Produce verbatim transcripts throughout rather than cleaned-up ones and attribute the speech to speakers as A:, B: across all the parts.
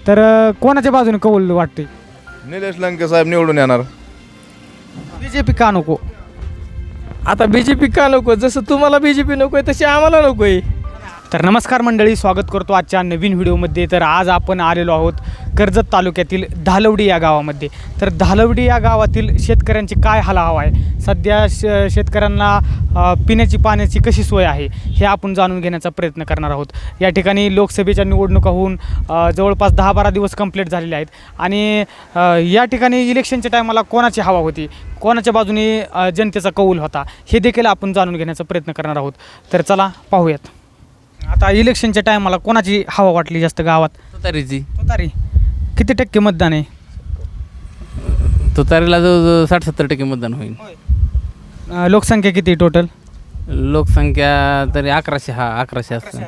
A: तर अ, कोणाच्या बाजूने कौल वाटते?
B: निलेश लंके साहेब निवडून येणार.
A: बी जे पी का नको?
C: आता बी जे पी का नको? जसं तुम्हाला बी जे पी नको आहे तशी आम्हाला नको आहे.
A: तर नमस्कार मंडळी, स्वागत करतो आजच्या नवीन व्हिडिओमध्ये. तर आज आपण आलेलो आहोत कर्जत तालुक्यातील धालवडी या गावामध्ये. तर धालवडी या गावातील शेतकऱ्यांची काय हाल हवा आहे, सध्या श शेतकऱ्यांना अ, पिण्याची पाण्याची कशी सोय आहे हे आपण जाणून घेण्याचा प्रयत्न करणार आहोत. या ठिकाणी लोकसभेच्या निवडणुका होऊन अ, जवळपास दहा बारा दिवस कंप्लीट झालेले आहेत आणि अ, या ठिकाणी इलेक्शनच्या टायमाला कोणाची हवा होती, कोणाच्या बाजूने अ, जनतेचा कौल होता हे देखील आपण जाणून घेण्याचा प्रयत्न करणार आहोत. तर चला पाहूयात. आता इलेक्शनच्या टायमाला कोणाची हवा वाटली जास्त गावात?
D: तुतारीची.
A: तुतारी. किती टक्के मतदान आहे?
D: तुतारीला जवळजवळ साठ सत्तर टक्के मतदान होईल.
A: अ, लोकसंख्या किती टोटल?
D: लोकसंख्या तरी अकराशे हा अकराशे असतं.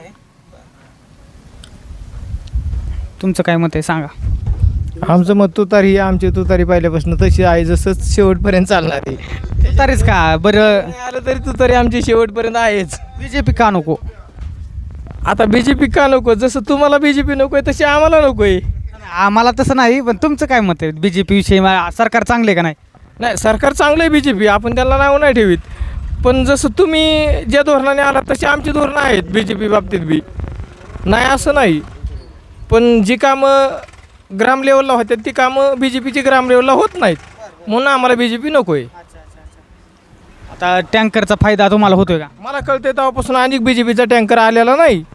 A: तुमचं काय मत आहे सांगा.
C: आमचं मत तुतारी ही आमची तुतारी पहिल्यापासून तशी आहे, जसंच शेवटपर्यंत चालणार आहे.
A: तुतारीच का बरं?
C: आलं तरी तुतारी आमची शेवटपर्यंत आहेच.
A: बी जे पी का नको?
C: आता बी जे पी का नको? जसं तुम्हाला बी जे पी नको आहे तशी आम्हाला नको आहे.
A: आम्हाला तसं नाही, पण तुमचं काय मत आहे बी जे पी विषयी? मा- सरकार चांगले आहे का नाही?
C: नाही, सरकार चांगलं आहे बी जे पी, आपण त्याला नाव नाही ठेवीत. पण जसं तुम्ही ज्या धोरणाने आला तशी आमची धोरणं आहेत बी जे पी बाबतीत बी. नाही असं नाही, पण जी कामं ग्राम लेवलला होतात ती कामं बी जे पीची ग्राम लेवलला होत नाहीत, म्हणून आम्हाला बी जे पी नको आहे.
A: आता टँकरचा फायदा तुम्हाला होतोय का?
C: मला कळते तेव्हापासून अनेक बी जे पीचा टँकर आलेला नाही.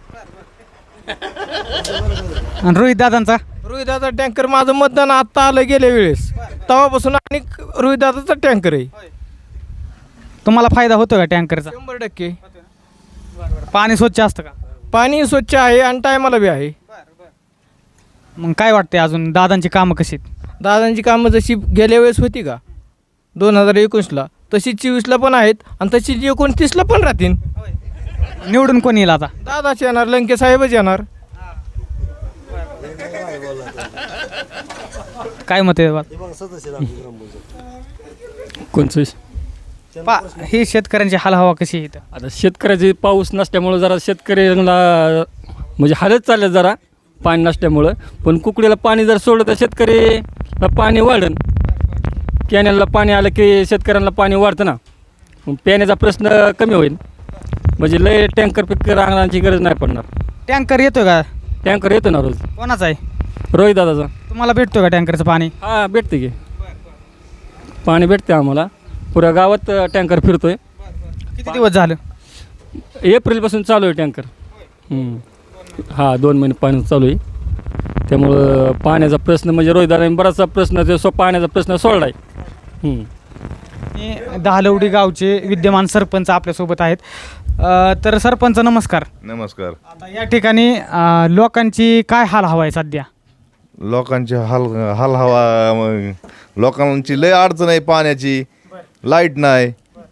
A: आणि रोहित दादांचा?
C: रोहिदाचा टँकर माझं मतदान आत्ता आलं गेल्या वेळेस, तेव्हापासून अनेक रोहिदाचा टँकर आहे.
A: तुम्हाला फायदा होतो का टँकरचा?
C: शंभर टक्के.
A: पाणी स्वच्छ असतं का?
C: पाणी स्वच्छ आहे आणि टायमाला बी आहे.
A: मग काय वाटते अजून दादांची कामं कशी आहेत?
C: दादांची कामं जशी गेल्या वेळेस होती का दोन हजार एकोणीसला, तशी चोवीसला पण आहेत आणि तशी एकोणतीसला पण राहतील.
A: निवडून कोण येईल आता?
C: दादाच येणार, लंके साहेबच येणार.
A: काय मत आहे बाबा?
E: कोणचं?
A: पा ही शेतकऱ्यांची हाल हवा कशी आहे इथं?
E: आता शेतकऱ्याचे पाऊस नसल्यामुळं जरा शेतकऱ्यांना म्हणजे हालत चालले जरा पाणी नसल्यामुळं. पण कुकडीला पाणी जर सोडलं तर शेतकरीला पाणी वाढन. कॅनलला पाणी आलं की शेतकऱ्यांना पाणी वाढतं ना, मग पिण्याचा प्रश्न कमी होईल. म्हणजे लय टँकर पिकर आणण्याची गरज नाही पडणार.
A: टँकर येतोय का?
E: टँकर येतो ना रोज.
A: कोणाचा आहे?
E: रोहित दादाचा.
A: तुम्हाला भेटतो का टँकरचं पाणी?
E: हा भेटते की, पाणी भेटते आम्हाला. पुऱ्या गावात टँकर फिरतोय.
A: किती दिवस झालं?
E: एप्रिलपासून चालू आहे टँकर. हा दोन महिने पाणी चालू आहे. त्यामुळं पाण्याचा प्रश्न म्हणजे रोहिदाराने बराचसा प्रश्न ते सो पाण्याचा प्रश्न सोडला आहे.
A: हे दहालवडी गावचे विद्यमान सरपंच आपल्यासोबत आहेत. अ, तर सरपंच नमस्कार.
B: नमस्कार.
A: आता या ठिकाणी अ, लोकांची काय हाल हवा आहे सध्या?
B: लोकांची हाल हाल हवा मग लोकांची लय अडचण आहे. पाण्याची, लाईट नाही,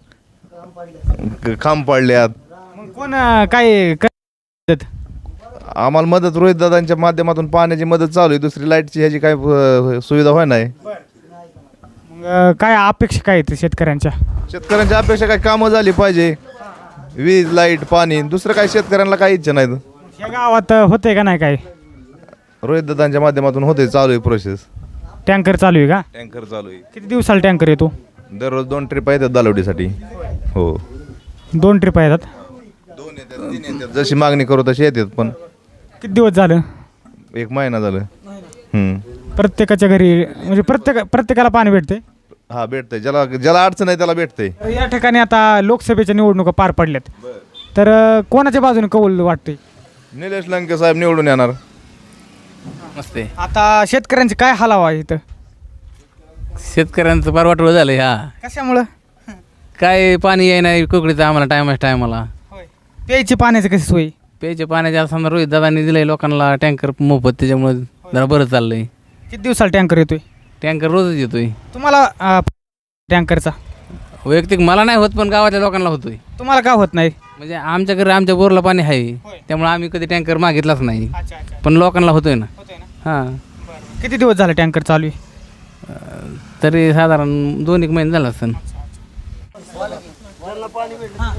B: क- खांब पडल्यात.
A: मग कोण अ, काय करत?
B: आम्हाला मदत रोहित दादांच्या माध्यमातून पाण्याची मदत चालू आहे. दुसरी लाईटची ह्याची काय अ, सुविधा होय नाही.
A: मग अ, काय अपेक्षा काय आहेत शेतकऱ्यांच्या?
B: शेतकऱ्यांच्या अपेक्षा काय कामं झाली पाहिजे, वीज, लाईट, पाणी. दुसरं काय शेतकऱ्यांना काही इच्छा नाही.
A: या गावात अ, होतंय का नाही काय?
B: रोहित दादांच्या माध्यमातून होते, चालू आहे प्रोसेस.
A: टँकर चालू आहे का?
B: टँकर चालू आहे.
A: किती दिवसाला टँकर येतो?
B: दररोज दोन ट्रिप येतात दालवडीसाठी. हो,
A: दोन ट्रिप येतात.
B: दोन येतात, तीन येतात. जशी मागणी करू तशी येतात. पण
A: किती दिवस झालं?
B: एक महिना झालं. हम्म.
A: प्रत्येकाच्या घरी म्हणजे प्रत्येक प्रत्येकाला पाणी भेटते?
B: हा भेटतंय. ज्याला ज्याला अडचण आहे त्याला भेटतंय.
A: या ठिकाणी आता लोकसभेच्या निवडणुका पार पडल्यात. तर अ, कोणाच्या बाजूने कौल वाटते?
B: निलेश लंके साहेब निवडून येणार.
D: मस्त आहे.
A: आता शेतकऱ्यांची काय हाल हवा आहे इथं?
D: शेतकऱ्यांचं फार वाटोळं झालं आहे. हा
A: कशामुळं?
D: काय पाणी आहे नाही कुकडीचं आम्हाला टायमाच टायमाला.
A: प्यायची पाण्याची कशी सोय?
D: प्यायच्या पाण्याच्या समजा रोहित दादांनी दिलं आहे लोकांना टँकर मोफत, त्याच्यामुळे जरा बरं चाललं आहे.
A: किती दिवसाला टँकर येतोय?
D: टँकर रोजच येतोय.
A: तुम्हाला अ, टँकरचा
D: वैयक्तिक मला नाही होत, पण गावातल्या लोकांना होतोय.
A: तुम्हाला का होत नाही?
D: म्हणजे आमच्या घरी आमच्या बोरला पाणी आहे, त्यामुळे आम्ही कधी टँकर मागितलाच नाही, पण लोकांना होतोय ना. हां.
A: किती दिवस झाले टँकर चालू आहे?
D: तरी साधारण दोन एक महिने झाला असेल.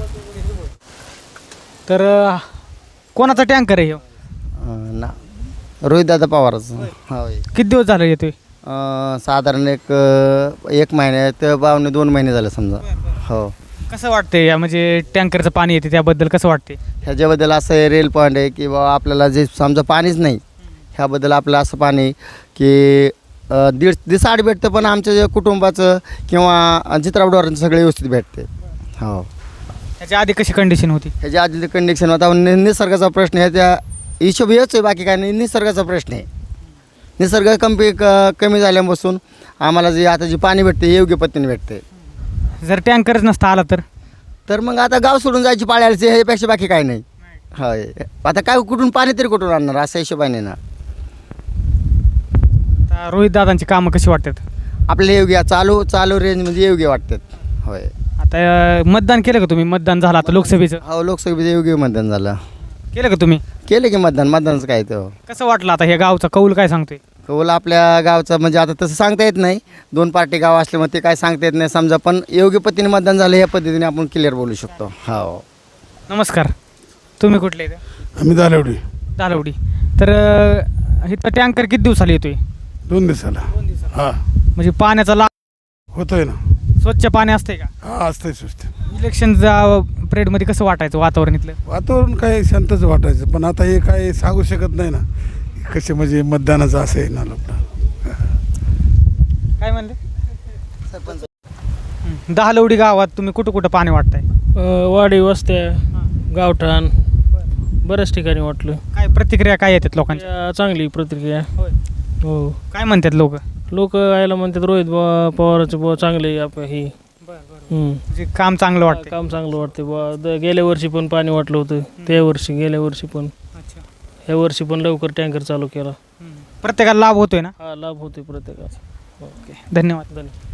A: तर अ, कोणाचा टँकर आहे ह्यो?
F: ना रोहितदादा पवारच होय.
A: किती दिवस झालं येतोय?
F: अं, साधारण एक अं, एक महिन्यात बावणे दोन महिने झाले समजा. हो.
A: कसं वाटतंय या म्हणजे टँकरचं पाणी येते त्याबद्दल कसं वाटते?
F: ह्याच्याबद्दल असं आहे रेल पॉईंट आहे की बाबा आपल्याला जे समजा पाणीच नाही ह्याबद्दल आपलं असं पाणी की अं, दीड दिसाड भेटतं पण आमच्या जे कुटुंबाचं किंवा चित्रावडावरांचं सगळे व्यवस्थित भेटते. हो.
A: त्याच्या आधी कशी कंडिशन होती?
F: ह्याच्या आधी कंडिशन होता नि निसर्गाचा प्रश्न आहे त्या हिशोब हेच आहे बाकी काय नाही निसर्गाचा प्रश्न आहे. निसर्ग कमी क कमी झाल्यापासून आम्हाला जे आता जे पाणी भेटते योग्य पद्धतीने भेटते.
A: जर टँकरच नसता आला तर
F: तर मग आता गाव सोडून जायची पाळी आली ह्यापेक्षा बाकी काय नाही. होय. आता काय कुठून पाणी तरी कुठून आणणार असा हिशोबाने ना.
A: आता रोहित दादांची कामं कशी वाटतात?
F: आपल्याला योग्य चालू चालू रेंज म्हणजे योग्य वाटतात. होय.
A: आता अं, मतदान केलं का तुम्ही? मतदान झालं आता लोकसभेचं
F: हो लोकसभेचं योग्य मतदान झालं.
A: केलं का तुम्ही?
F: केलं की मतदान मतदानचं काय तो
A: कसं वाटलं आता हे गावचा कौल काय सांगतोय?
F: कौल आपल्या गावचं म्हणजे आता तसं सांगता येत नाही. दोन पार्टी गाव असल्यामुळे ते काय सांगता येत नाही समजा पण योग्य पद्धतीने मतदान झालं या पद्धतीने आपण क्लिअर बोलू शकतो. हो.
A: नमस्कार, तुम्ही कुठले इथं?
G: आम्ही दालवडी
A: दालवडी. तर अं, इथं टँकर किती दिवसाला येतोय?
G: दोन दिवसाला हां
A: म्हणजे पाण्याचा लाभ
G: होतोय ना.
A: स्वच्छ पाणी असतंय का?
G: हां असतंय स्वस्त.
A: इलेक्शनच्या पिरियडमध्ये कसं वाटायचं वातावरण इथलं?
G: वातावरण काय शांतच वाटायचं पण आता हे काय सांगू शकत नाही ना कसे म्हणजे मतदानाचं असं आहे ना लोक.
A: काय म्हणले? हं. दहालवडी गावात तुम्ही कुठं कुठं पाणी वाटताय?
C: अ, वाडी वस्त्या गावठाण बऱ्याच ठिकाणी वाटलं.
A: काय प्रतिक्रिया काय येतात लोकांच्या?
C: या चांगली प्रतिक्रिया.
A: होय.
C: हो.
A: काय म्हणतात लोक?
C: लोक यायला म्हणतात रोहित बुवा पवाराचं बुवा चांगले आप ही हम्म.
A: म्हणजे काम चांगलं वाटतं?
C: काम चांगलं वाटते बुवा द- गेल्या वर्षी पण पाणी वाटलं होतं त्या वर्षी गेल्या वर्षी पण
A: अच्छा.
C: ह्या वर्षी पण लवकर टँकर चालू केला.
A: प्रत्येकाला लाभ होतोय ना?
C: हा लाभ होतोय प्रत्येकाचा.
A: ओके, धन्यवाद.
C: धन्यवाद.